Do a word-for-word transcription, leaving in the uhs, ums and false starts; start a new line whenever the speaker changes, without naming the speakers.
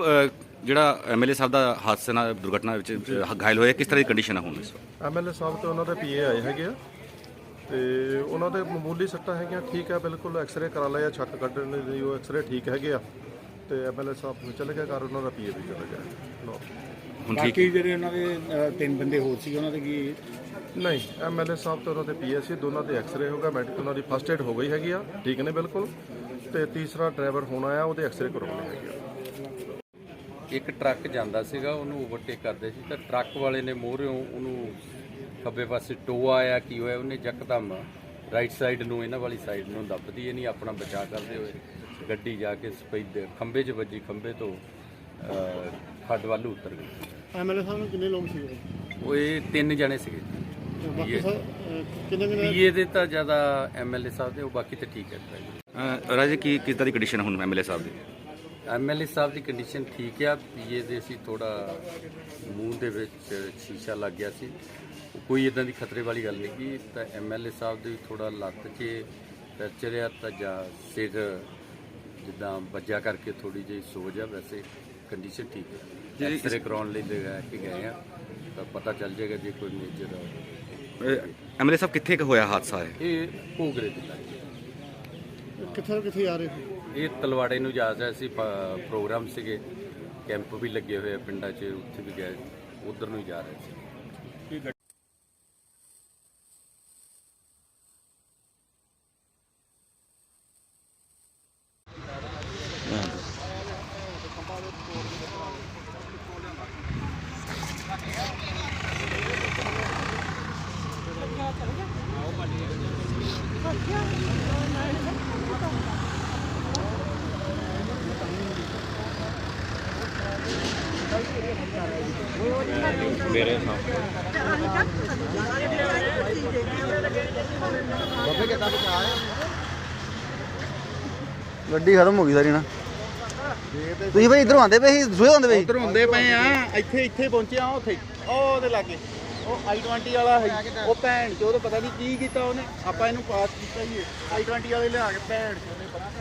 ਜਿਹੜਾ ਐਮਐਲਏ ਸਾਹਿਬ ਦਾ ਹਾਦਸੇ ਨਾਲ ਦੁਰਘਟਨਾ ਵਿੱਚ ਘਾਇਲ ਹੋਇਆ, ਕਿਸ ਤਰ੍ਹਾਂ ਦੀ ਕੰਡੀਸ਼ਨ ਹੈ ਹੁਣ ਇਸ ਵਕਤ?
ਐਮਐਲਏ ਸਾਹਿਬ ਤੇ ਉਹਨਾਂ ਦੇ ਪੀਏ ਆਏ ਹੈਗੇ ਆ ਤੇ ਉਹਨਾਂ ਦੇ ਮਾਮੂਲੀ ਸੱਟਾਂ ਹੈਗੀਆਂ, ਠੀਕ ਹੈ ਬਿਲਕੁਲ। ਐਕਸਰੇ ਕਰਾ ਲਿਆ, ਛੱਕ ਕੱਢਣ ਦੀ ਉਹ ਐਕਸਰੇ ਠੀਕ ਹੈਗੇ ਆ ਤੇ ਐਮਐਲਏ ਸਾਹਿਬ ਚਲੇ ਗਏ ਘਰ, ਉਹਨਾਂ ਦਾ ਪੀਏ ਵੀ ਚਲੇ ਗਿਆ।
ਹੁਣ ਠੀਕ
ਬਾਕੀ ਜਿਹੜੇ ਉਹਨਾਂ ਦੇ ਤਿੰਨ ਬੰਦੇ ਹੋਰ ਸੀ ਉਹਨਾਂ ਦੇ ਕੀ?
ਨਹੀਂ, ਐਮਐਲਏ ਸਾਹਿਬ ਤੇ ਉਹਨਾਂ ਦੇ ਪੀਏ ਸੀ, ਦੋਨਾਂ ਦੇ ਐਕਸਰੇ ਹੋ ਗਿਆ, ਮੈਡੀਕਲ ਉਹਨਾਂ ਦੀ ਫਸਟ ਏਡ ਹੋ ਗਈ ਹੈਗੀ ਆ, ਠੀਕ ਨੇ ਬਿਲਕੁਲ। ਤੇ ਤੀਸਰਾ ਡਰਾਈਵਰ ਹੋਣਾ ਆ, ਉਹਦੇ ਐਕਸਰੇ ਕਰਵਾਉਣੇ ਹੈਗੇ ਆ।
ਇੱਕ ਟਰੱਕ ਜਾਂਦਾ ਸੀਗਾ, ਉਹਨੂੰ ਓਵਰਟੇਕ ਕਰਦੇ ਸੀ ਤਾਂ ਟਰੱਕ ਵਾਲੇ ਨੇ ਮੋਹਰਿਓਂ ਉਹਨੂੰ ਖੱਬੇ ਪਾਸੇ ਟੋਆ ਆਇਆ, ਕੀ ਹੋਇਆ, ਉਹਨੇ ਯਕਦਮ ਰਾਈਟ ਸਾਈਡ ਨੂੰ ਇਹਨਾਂ ਵਾਲੀ ਸਾਈਡ ਨੂੰ ਦੱਬਦੀ ਇਹ ਨਹੀਂ ਆਪਣਾ ਬਚਾਅ ਕਰਦੇ ਹੋਏ ਗੱਡੀ ਜਾ ਕੇ ਸਪੈਦ ਖੰਭੇ 'ਚ ਵੱਜੀ, ਖੰਭੇ ਤੋਂ ਖੱਡ ਵੱਲ ਉਤਰ ਗਈ।
ਐਮਐਲਏ ਸਾਹਿਬ ਨੂੰ ਕਿੰਨੇ ਲੋਕ ਸੀ?
ਉਹ ਇਹ ਤਿੰਨ ਜਣੇ ਸੀਗੇ।
ਬਾਕੀ ਕਿੰਨੇ ਕਿੰਨੇ
ਪੀਏ ਦੇ ਤਾਂ ਜ਼ਿਆਦਾ ਐਮਐਲਏ ਸਾਹਿਬ ਦੇ, ਉਹ ਬਾਕੀ ਤਾਂ ਠੀਕ ਹੈ।
ਰਾਜੇ ਕੀ ਕਿਸ ਤਰ੍ਹਾਂ ਦੀ ਕੰਡੀਸ਼ਨ ਹੁਣ ਐਮਐਲਏ ਸਾਹਿਬ ਦੀ?
ਐਮਐਲਏ ਸਾਹਿਬ ਦੀ ਕੰਡੀਸ਼ਨ ਠੀਕ ਆ। ਪੀਏ ਦੇ ਸੀ ਥੋੜਾ ਮੂੰਹ ਦੇ ਵਿੱਚ ਸ਼ੀਸ਼ਾ ਲੱਗ ਗਿਆ ਸੀ, ਕੋਈ ਇਦਾਂ ਦੀ ਖਤਰੇ ਵਾਲੀ ਗੱਲ ਨਹੀਂ ਕੀ। ਤਾਂ ਐਮਐਲਏ ਸਾਹਿਬ ਦੇ ਥੋੜਾ ਲੱਤ 'ਚ ਫ੍ਰੈਕਚਰ ਆ ਤਾਂ ਜਾਂ ਸਿਰ ਜਿੱਦਾਂ ਵੱਜਿਆ ਕਰਕੇ ਥੋੜੀ ਜਿਹੀ ਸੋਜ ਆ, ਵੈਸੇ ਕੰਡੀਸ਼ਨ ਠੀਕ ਹੈ। ਐਕਸਰੇ ਕਰਾਉਣ ਲਈ ਲੈ ਕੇ ਗਏ ਆ ਤਾਂ ਪਤਾ ਚੱਲ ਜਾਏਗਾ ਜੇ ਕੋਈ ਮੇਜਰ।
ਐਮਐਲਏ ਸਾਹਿਬ ਕਿੱਥੇ ਕੁ ਹੋਇਆ ਹਾਦਸਾ ਹੈ?
ਇਹ ਭੋਗਰੇ ਦੇ ਲਾਗੇ।
ਕਿੱਥੇ ਕਿੱਥੇ ਆ ਰਹੇ ਸੀ?
ਇਹ ਤਲਵਾੜੇ ਨੂੰ ਜਾ ਰਿਹਾ ਸੀ, ਪ੍ਰੋਗਰਾਮ ਸੀਗੇ, ਕੈਂਪ ਵੀ ਲੱਗੇ ਹੋਏ ਆ ਪਿੰਡਾਂ 'ਚ, ਉੱਥੇ ਵੀ ਗਏ, ਉਧਰ ਨੂੰ ਹੀ ਜਾ ਰਹੇ ਸੀ।
ਮੇਰੇ
ਗੱਡੀ ਖਤਮ ਹੋ ਗਈ ਸਾਰੀ ਨਾ। ਤੁਸੀਂ ਭਾਈ ਇਧਰੋਂ ਆਉਂਦੇ ਪਏ ਸੀ, ਦੂਏ ਆਉਂਦੇ ਪਏ ਸੀ?
ਉਧਰ ਹੁੰਦੇ ਪਏ ਆ, ਇੱਥੇ ਇੱਥੇ ਪਹੁੰਚੇ ਆ। ਉੱਥੇ ਉਹ ਉਹਦੇ ਲਾਗੇ ਉਹ ਆਈ ਟਵੰਟੀ ਵਾਲਾ ਹੈ, ਉਹ ਭੈਣ ਚੋਦ ਪਤਾ ਨਹੀਂ ਕੀ ਕੀਤਾ ਉਹਨੇ, ਆਪਾਂ ਇਹਨੂੰ ਪਾਸ ਕੀਤਾ ਹੀ ਆਈ ਟਵੰਟੀ ਵਾਲੇ ਲਿਆ ਕੇ ਭੈਣ ਚੋਦ ਨੇ ਪਤਾ